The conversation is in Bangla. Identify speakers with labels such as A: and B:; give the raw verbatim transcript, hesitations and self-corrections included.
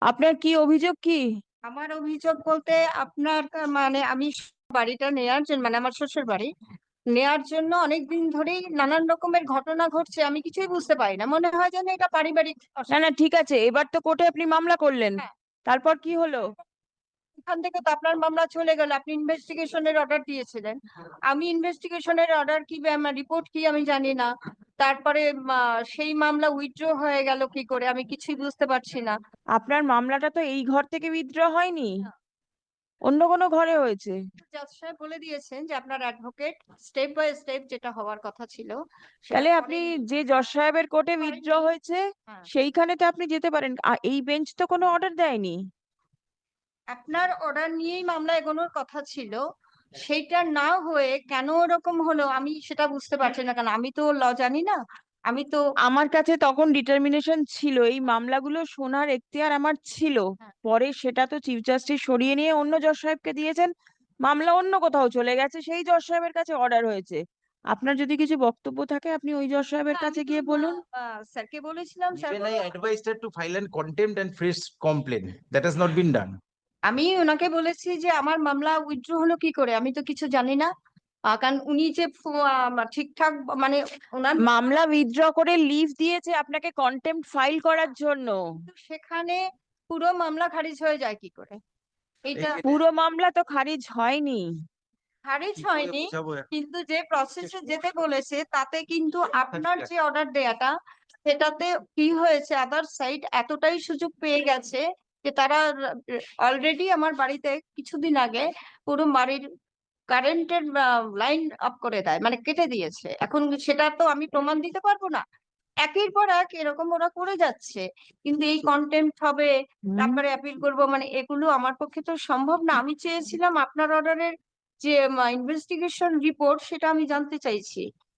A: আপনার কি অভিযোগ কি?
B: আমার অভিযোগ বলতে আপনার আহ, মানে আমি বাড়িটা নেয়ার জন্য, মানে আমার শ্বশুর বাড়ি নেয়ার জন্য অনেক দিন ধরেই নানান রকমের ঘটনা ঘটছে, আমি কিছুই বুঝতে পারি না, মনে হয় যেন এটা পারিবারিক
A: না না,
B: অশান্তি।
A: ঠিক আছে, এবার তো কোর্টে আপনি মামলা করলেন।
B: হ্যাঁ,
A: তারপর কি হলো?
B: এখান থেকে তো আপনার মামলা চলে গেল, আপনি ইনভেস্টিগেশনের অর্ডার দিয়েছিলেন। আমি ইনভেস্টিগেশনের অর্ডার কি, রিপোর্ট কি আমি জানি না। তারপরে আহ, সেই মামলা উইথড্র হয়ে গেল কি করে আমি কিছুই বুঝতে পারছি না।
A: আপনার মামলাটা তো এই ঘর থেকে উইথড্র হয়নি, অন্য কোনো ঘরে হয়েছে।
B: জাজ সাহেব বলে দিয়েছেন যে আপনার অ্যাডভোকেট স্টেপ বাই স্টেপ যেটা হওয়ার কথা ছিল সেটা
A: তাহলে আপনি
B: করেনি।
A: যে জজ সাহেবের কোর্টে উইথড্র
B: করেনি।
A: হয়েছে
B: হ্যাঁ,
A: সেইখানে তো আপনি যেতে পারেন। আ- এই বেঞ্চ তো কোনো অর্ডার দেয়নি।
B: আপনার অর্ডার নিয়েই মামলা এগোনোর কথা ছিল, সেইটা না হয়ে কেন ওরকম হলো আমি সেটা বুঝতে পারছি না, কারণ আমি তো ল জানি না। আমি তো
A: আমার কাছে তখন ডিটারমিনেশন ছিল, এই মামলাগুলো শোনার এখতিয়ার আমার ছিল।
B: হ্যাঁ,
A: পরে সেটা তো চিফ জাস্টিস সরিয়ে নিয়ে অন্য জজ সাহেবকে দিয়েছেন, মামলা অন্য কোথাও চলে গেছে, সেই জজ সাহেবের কাছে অর্ডার হয়েছে। আপনার যদি কিছু বক্তব্য থাকে আপনি ওই জজ সাহেবের
B: হ্যাঁ, আমি
A: কাছে
B: তো
A: গিয়ে বলুন।
B: স্যারকে বলেছিলাম, sir
C: Even I advised her to file an contempt and fresh complaint. That has not been done.
B: আমি ওনাকে বলেছি যে আমার মামলা উইথড্র হলো কি করে, আমি তো কিছু জানি না। আহ, কারণ উনি যে ফো- আহ, ঠিকঠাক মানে ওনার
A: মামলা উইথড্র করে লিভ দিয়েছে আপনাকে কন্টেম্প্ট ফাইল করার জন্য।
B: কিন্তু সেখানে পুরো মামলা খারিজ হয়ে যায় কি করে, এইটা
A: পুরো মামলা তো খারিজ হয়নি।
B: খারিজ
C: কি করে
B: হয়নি।
C: বোঝাবো এখন?
B: কিন্তু যে প্রসেসে যেতে বলেছে তাতে কিন্তু আপনার যে অর্ডার দেয়াটা সেটাতে কি হয়েছে, আদার সাইড এতটাই সুযোগ পেয়ে গেছে যে তারা অলরেডি আমার বাড়িতে কিছুদিন আগে পুরো বাড়ির কারেন্টের লাইন অফ করে দেয়, মানে কেটে দিয়েছে। এখন সেটা তো আমি প্রমাণ দিতে পারবো না, একের পর এক এরকম ওরা করে যাচ্ছে। কিন্তু এই কন্টেম্প্ট হবে,
A: হুম।
B: তারপরে অ্যাপিল করবো, মানে এগুলো আমার পক্ষে তো সম্ভব না। আমি চেয়েছিলাম আপনার অর্ডারের যে ইনভেস্টিগেশন রিপোর্ট সেটা আমি জানতে চাইছি।